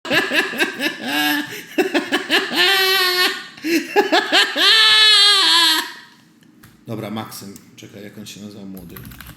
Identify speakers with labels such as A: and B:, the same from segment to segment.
A: Dobra, Maksym. Czekaj, jak on się nazywa młody.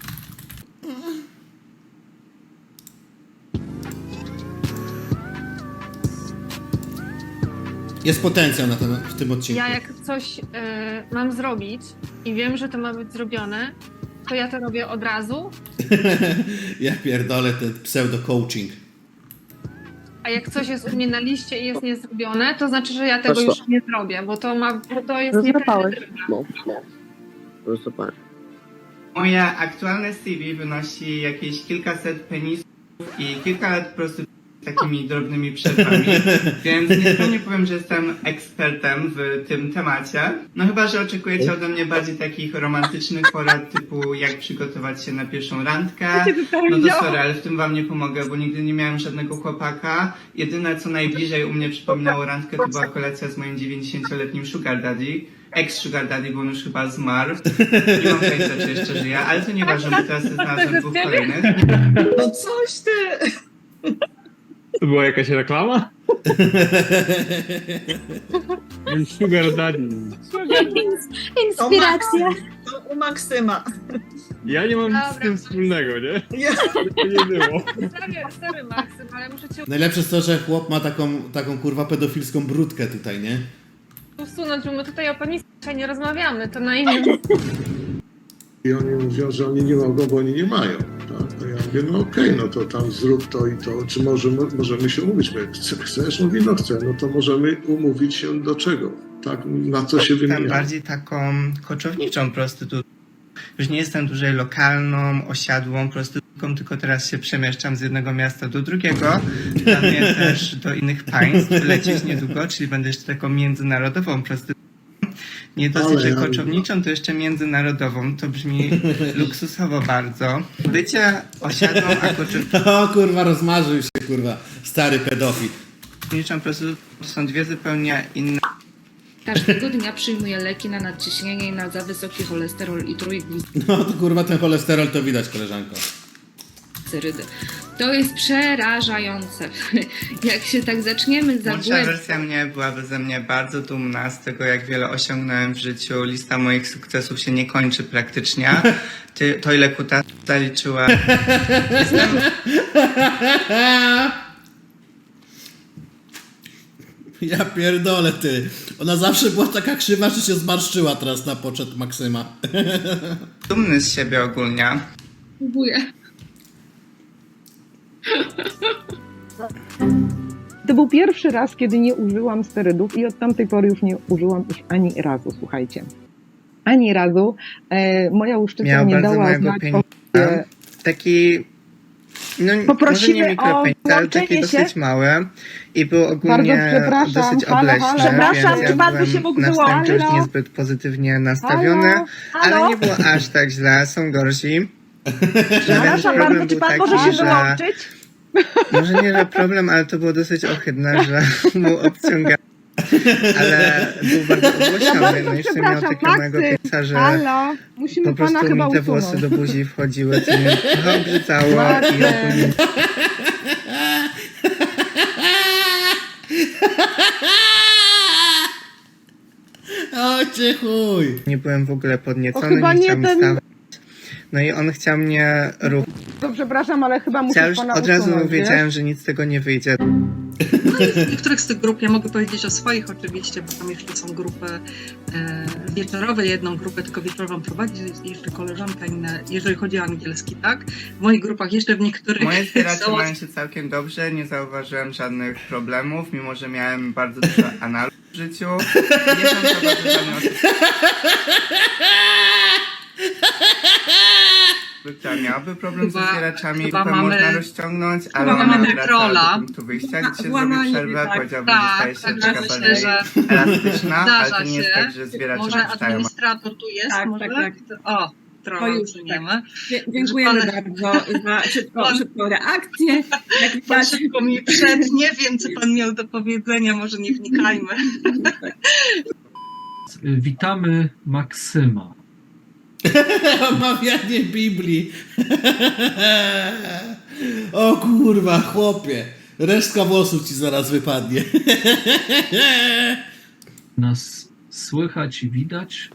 A: Jest potencjał w tym odcinku.
B: Ja jak coś mam zrobić i wiem, że to ma być zrobione, to ja to robię od razu,
A: Ja pierdolę ten pseudo-coaching.
B: a jak coś jest u mnie na liście i jest niezrobione, to znaczy, że ja tego już nie zrobię, bo to jest nieprawidłowe.
C: No. Super.
D: Moje aktualne CV wynosi jakieś kilkaset penisów i kilka lat prostytucji z takimi drobnymi przerwami, więc nieskromnie powiem, że jestem ekspertem w tym temacie. No chyba, że oczekujecie ode mnie bardziej takich romantycznych porad typu jak przygotować się na pierwszą randkę. No to sorry, ale w tym wam nie pomogę, bo nigdy nie miałem żadnego chłopaka. Jedyne co najbliżej u mnie przypominało randkę to była kolacja z moim 90-letnim sugar daddy. Ex-sugar daddy, bo on już chyba zmarł. Nie mam pojęcia, czy jeszcze żyje, ale to nieważne, bo teraz znalazłem dwóch kolejnych.
E: No coś ty!
F: To była jakaś reklama? Sugar Daddy.
G: Inspiracja.
E: To u Maksyma.
F: Ja nie mam
B: Dobra.
F: z tym wspólnego, nie?
E: Ja.
F: To nie było.
B: Sorry, Maksym, ale muszę cię
A: Najlepsze jest to, że chłop ma taką kurwa pedofilską brudkę tutaj, nie?
B: usunąć, bo my tutaj o penisach nie rozmawiamy, to na innym...
H: I oni mówią, że oni nie mogą, bo oni nie mają. Tak? No ja mówię, no okej, no to tam zrób to i to. Czy możemy się umówić? Mówię, chcesz? Mówi, no chcę. No to możemy umówić się do czego? Tak, na co się
D: Jestem
H: wymienia.
D: bardziej taką koczowniczą prostytutką. Już nie jestem dłużej lokalną, osiadłą prostytutką, tylko teraz się przemieszczam z jednego miasta do drugiego. Planuję też do innych państw lecieć niedługo, czyli będę jeszcze taką międzynarodową prostytutką. Nie dosyć, że koczowniczą, to jeszcze międzynarodową. To brzmi luksusowo bardzo. Bycie osiadłą, a koczowniczą
A: O kurwa, rozmarzył się kurwa, stary pedofil.
D: prostytutką to są dwie zupełnie inne.
G: Każdego dnia przyjmuję leki na nadciśnienie i na za wysoki cholesterol i trójglicerydy.
A: No to kurwa ten cholesterol to widać, koleżanko.
G: To jest przerażające. Jak się tak zaczniemy
D: Młodsza
G: zagłębiać...
D: wersja mnie byłaby ze mnie bardzo dumna z tego, jak wiele osiągnąłem w życiu. Lista moich sukcesów się nie kończy praktycznie. To ile kuta zaliczyła. Jestem...
A: Ja pierdolę ty. Ona zawsze była taka krzywa, że się zmarszczyła teraz na poczet Maksyma.
D: dumny z siebie ogólnie.
G: Próbuję.
I: To był pierwszy raz, kiedy nie użyłam sterydów i od tamtej pory już nie użyłam ich ani razu, słuchajcie. Ani razu. Moja łuszczyca
D: Miał
I: nie
D: bardzo
I: dała
D: mojego
I: znać
D: pieniądza.
I: sobie.
D: Taki... No, może
I: Poprosimy
D: nie mikropenis,
I: o
D: ale taki
I: włączenie się.
D: dosyć mały. I był ogólnie
I: Bardzo przepraszam.
D: dosyć
I: Halo,
D: obleśny,
I: halo.
G: Przepraszam,
D: więc
G: czy
D: ja
G: pan by
D: byłem
G: się mógł
D: na wstępie już
G: wyłączyć?
D: niezbyt pozytywnie nastawiony. Ale nie było aż tak źle, są gorsi.
G: Przepraszam
D: Problem
G: bardzo, czy
D: był
G: pan
D: taki,
G: może się
D: że-
G: wyłączyć?
D: Może nie, że problem, ale to było dosyć ohydne, że był obciągany. Ale był bardzo ogłośniony. No i w sumie miał takiego mojego pieca, że
I: Halo, musimy
D: po prostu
I: pana chyba
D: mi te
I: usunąć.
D: włosy do buzi wchodziły, co mnie trochę obrzycało i ogólnie
A: O cię chuj.
D: nie byłem w ogóle
I: O,
D: podniecony,
I: chyba
D: nie
I: nie
D: chciał mi
I: ten-
D: stawać. No i on chciał mnie ruchać.
I: To przepraszam, ale chyba muszę
D: Ja już
I: pana
D: od razu
I: usunąć,
D: wiedziałem,
I: wiesz?
D: że nic z tego nie wyjdzie.
E: W niektórych z tych grup, ja mogę powiedzieć o swoich oczywiście, bo tam jeszcze są grupy wieczorowe, jedną grupę tylko wieczorową prowadzi jeszcze koleżanka inne, jeżeli chodzi o angielski, tak? W moich grupach jeszcze w niektórych
D: Moje zbieracze
E: są-
D: mają się całkiem dobrze, nie zauważyłem żadnych problemów, mimo że miałem bardzo dużo analów w życiu. Nie zauważyłem żadnych osób, która miałaby problem ze
E: Chyba-
D: zbieraczami,
E: chyba
D: grupę
E: mamy-
D: można rozciągnąć, ale
E: chyba
D: ona
E: mamy
D: wraca
E: trolla.
D: do punktu wyjścia, gdzie się
E: Była
D: zrobi
E: na-
D: przerwę,
E: tak,
D: powiedziałbym, że staje się
E: także
D: taka
E: myślę,
D: bardziej
E: że
D: elastyczna, ale
E: zdarza
D: to nie jest
E: się.
D: tak, że zbieracze
E: Może
D: puszczają.
E: administrator tu jest,
J: Tak,
E: może?
J: tak,
E: O, trolla
J: To już
E: usuniemy.
J: Dziękujemy
E: Pan-
J: bardzo za szybką reakcję. Jak
E: Pan
J: widać,
E: szybko mi przednie, wiem co pan miał do powiedzenia, może nie wnikajmy.
K: Witamy Maksyma.
A: Omawianie Biblii. O kurwa, chłopie. Resztka włosów ci zaraz wypadnie.
K: Nas słychać i widać.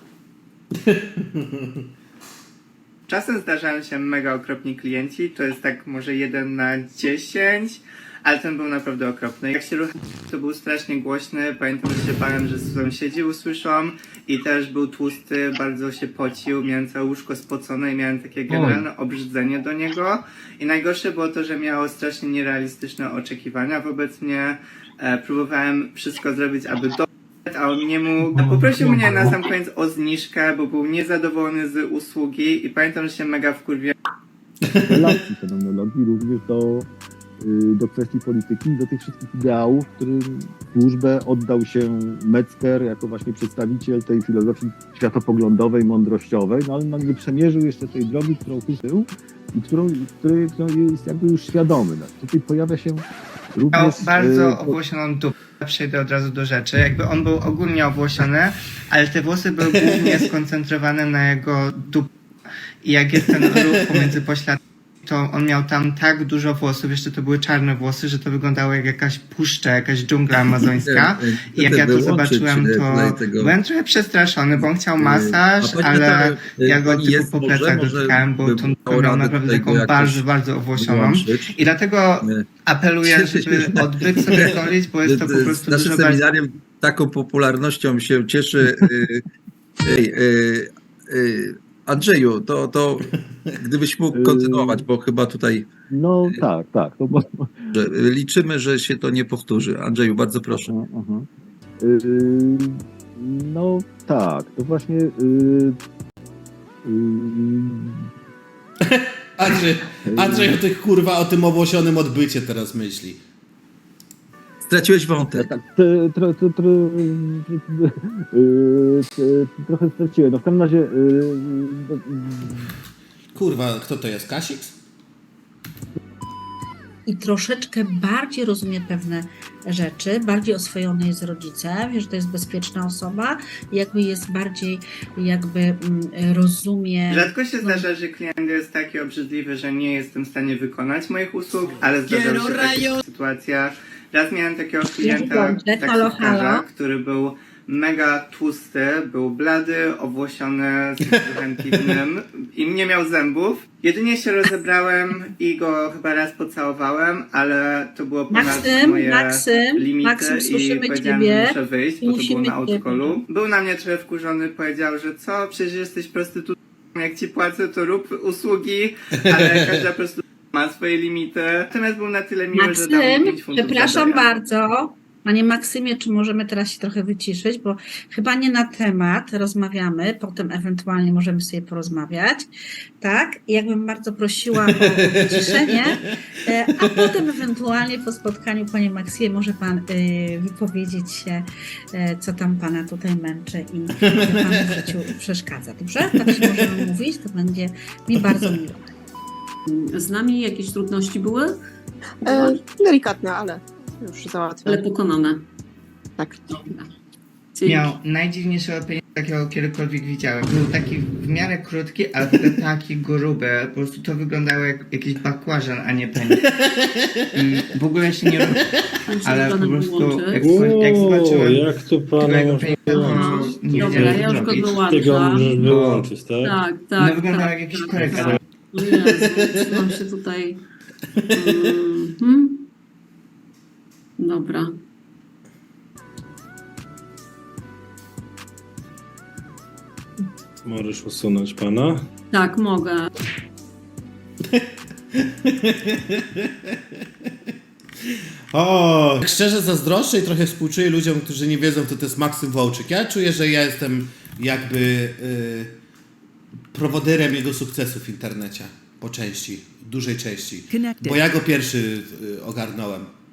D: Czasem zdarzają się mega okropni klienci, to jest tak może 1 na 10, ale ten był naprawdę okropny. Jak się ruchał, to był strasznie głośny, pamiętam, że się bałem, że sąsiedzi usłyszą i też był tłusty, bardzo się pocił, miałem całe łóżko spocone i miałem takie generalne obrzydzenie do niego. I najgorsze było to, że miało strasznie nierealistyczne oczekiwania wobec mnie. Próbowałem wszystko zrobić, aby a on nie mógł. Poprosił mnie na sam koniec o zniżkę, bo był niezadowolony z usługi i pamiętam, że się mega wkurwiłem.
L: Relacji fenomenologii, również do kwestii polityki, do tych wszystkich ideałów, którym służbę oddał się Metzger jako właśnie przedstawiciel tej filozofii światopoglądowej, mądrościowej, no ale nie przemierzył jeszcze tej drogi, którą kupił i której jest jakby już świadomy. No, tutaj pojawia się również...
D: Miał bardzo owłosioną dupę, przejdę od razu do rzeczy. Jakby on był ogólnie owłosiony, ale te włosy były głównie skoncentrowane na jego dupie. I jak jest ten ruch pomiędzy pośladkami, to on miał tam tak dużo włosów, jeszcze to były czarne włosy, że to wyglądało jak jakaś puszcza, jakaś dżungla amazońska. I jak ja to zobaczyłem, to byłem trochę przestraszony, bo on chciał masaż, ale ja go tylko po plecach dotykałem, bo tą dupę miał naprawdę taką bardzo, bardzo owłosioną. I dlatego apeluję, żeby odbyt sobie golić, bo jest to po prostu dużo bardziej...
M: Taką popularnością się cieszy. Andrzeju, to gdybyś mógł kontynuować, bo chyba tutaj...
L: No tak. To
M: liczymy, że się to nie powtórzy. Andrzeju, bardzo proszę.
L: No tak, to właśnie...
A: Andrzej o tym owłosionym odbycie teraz myśli.
M: Straciłeś wątek.
L: Tak, trochę straciłem. No w każdym razie...
A: Kurwa, kto to jest? Kasix?
N: I troszeczkę bardziej rozumie pewne rzeczy, bardziej oswojony jest z rodzicem, wie, że to jest bezpieczna osoba, jakby jest bardziej, rozumie...
D: Rzadko się zdarza, że klient jest taki obrzydliwy, że nie jestem w stanie wykonać moich usług, ale zdarzały się takie sytuacje. Raz miałem takiego klienta, taksówkarza, który był mega tłusty, był blady, owłosiony, z brzuchem piwnym i nie miał zębów. Jedynie się rozebrałem i go chyba raz pocałowałem, ale to było ponad moje limity i powiedziałem, że muszę wyjść, bo to było na autokolu. Był na mnie trochę wkurzony, powiedział, że co, przecież jesteś prostytutką, jak ci płacę, to rób usługi, ale każda prostytutka ma swoje limity. Natomiast był na tyle miły, że dał mi 5 funtów.
N: Przepraszam bardzo. Panie Maksymie, czy możemy teraz się trochę wyciszyć, bo chyba nie na temat rozmawiamy, potem ewentualnie możemy sobie porozmawiać, tak? I jakbym bardzo prosiła o wyciszenie, a potem ewentualnie po spotkaniu, panie Maksymie, może pan wypowiedzieć się, co tam pana tutaj męczy i panu w życiu przeszkadza, dobrze? Tak się możemy mówić, to będzie mi bardzo miło.
J: Z nami jakieś trudności były?
C: Delikatne, ale już załatwione.
J: Ale pokonane.
C: Tak.
D: Miał najdziwniejszego pieniądza, jakiego kiedykolwiek widziałem. Był taki w miarę krótki, ale taki gruby. Po prostu to wyglądało jak jakiś bakłażan, a nie penis. I w ogóle się nie robi. Ale po prostu jak zobaczyłem...
F: Jak to pana
J: Dobra, ja już go wyłączam.
F: Tego możesz wyłączyć, tak?
J: Tak.
D: No wyglądał jak jakiś korektor.
J: Trzymam się tutaj... Dobra.
F: Możesz usunąć pana?
J: Tak, mogę.
A: O, tak szczerze zazdroszczę i trochę współczuję ludziom, którzy nie wiedzą, kto to jest Maksym Wołczyk. Ja czuję, że ja jestem jakby prowodyrem jego sukcesu w internecie. Po części, dużej części. Bo ja go pierwszy ogarnąłem.